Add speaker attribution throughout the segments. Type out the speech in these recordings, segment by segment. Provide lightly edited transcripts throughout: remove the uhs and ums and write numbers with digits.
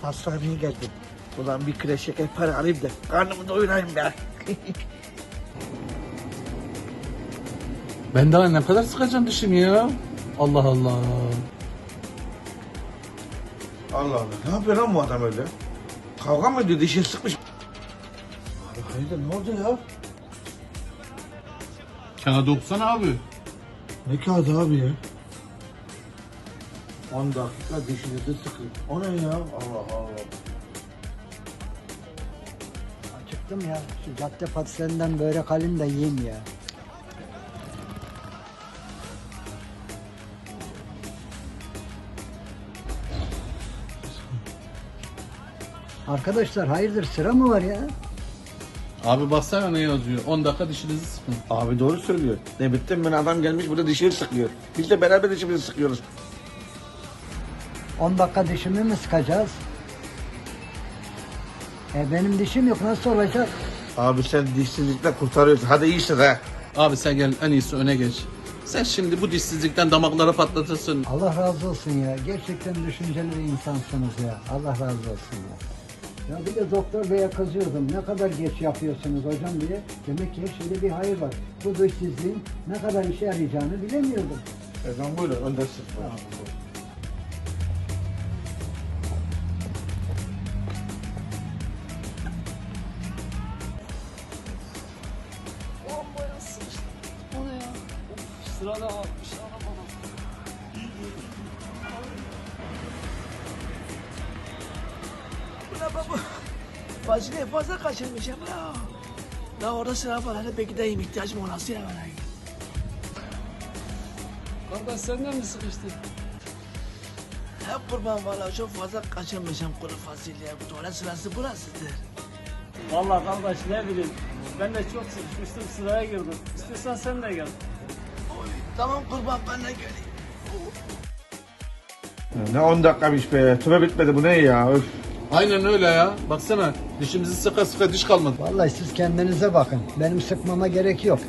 Speaker 1: Hastaneye geldim. Ulan bir kilo şeker para alayım da karnımı doyurayım be.
Speaker 2: Ben daha ne kadar sıkacağım dişimi ya? Allah Allah.
Speaker 3: Allah Allah. Ne yapıyor lan bu adam öyle? Kavga mı ediyor? Dişini sıkmış. Abi hayırdır ne oldu ya?
Speaker 2: Kağıdı okusana abi.
Speaker 3: Ne kağıdı abi ya? 10 dakika dişinizi sıkın. O ne ya? Allah Allah.
Speaker 1: Acıktım ya. Şu cadde patislerinden börek alayım da yiyeyim ya. Arkadaşlar hayırdır sıra mı var ya?
Speaker 2: Abi baksana ne yazıyor. 10 dakika dişinizi sıkın.
Speaker 3: Abi doğru söylüyor. Ne bittim ben adam gelmiş burada dişini sıkıyor. Biz de beraber dişimizi sıkıyoruz.
Speaker 1: 10 dakika dişimi mi sıkacağız? Benim dişim yok nasıl olacak?
Speaker 3: Abi sen dişsizlikle kurtarıyorsun. Hadi iyisin ha.
Speaker 2: Abi sen gel en iyisi öne geç. Sen şimdi bu dişsizlikten damakları patlatırsın.
Speaker 1: Allah razı olsun ya. Gerçekten düşünceli bir insansınız ya. Allah razı olsun ya. Ya bir de doktor beye kızıyordum. Ne kadar geç yapıyorsunuz hocam diye. Demek ki her şeyde bir hayır var. Bu dişsizliğin ne kadar işe yarayacağını bilemiyordum.
Speaker 3: Efendim buyurun öndersin.
Speaker 4: O ne ya? Of, sırada varmış arabada.
Speaker 5: Ulan baba, fazileyi fazla kaçırmışım ya. La orada sıra var, hani belki de ihtiyacım olası ya bana.
Speaker 4: Kardeş senden mi sıkıştın?
Speaker 5: Hep kurban valla çok fazla kaçırmışım kuru fasulye. Tuvalet sırası burasıdır.
Speaker 4: Vallahi kardeş ne bileyim. Ben de çok sıkışmıştım sıraya girdim. İstiyorsan sen de gel.
Speaker 5: Oy, tamam kurban ben de geleyim.
Speaker 3: Ne 10 dakikamış be. Tüme bitmedi bu ne ya? Öf.
Speaker 2: Aynen öyle ya. Baksana dişimizi sıka sıka diş kalmadı.
Speaker 1: Vallahi siz kendinize bakın. Benim sıkmama gerek yok.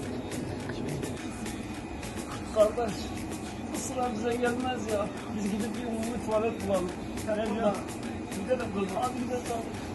Speaker 4: Kardeş bu sıra bize gelmez ya. Biz gidip bir umumi tuvalet bulalım. Hele bir gidelim kurban. Hadi gidelim.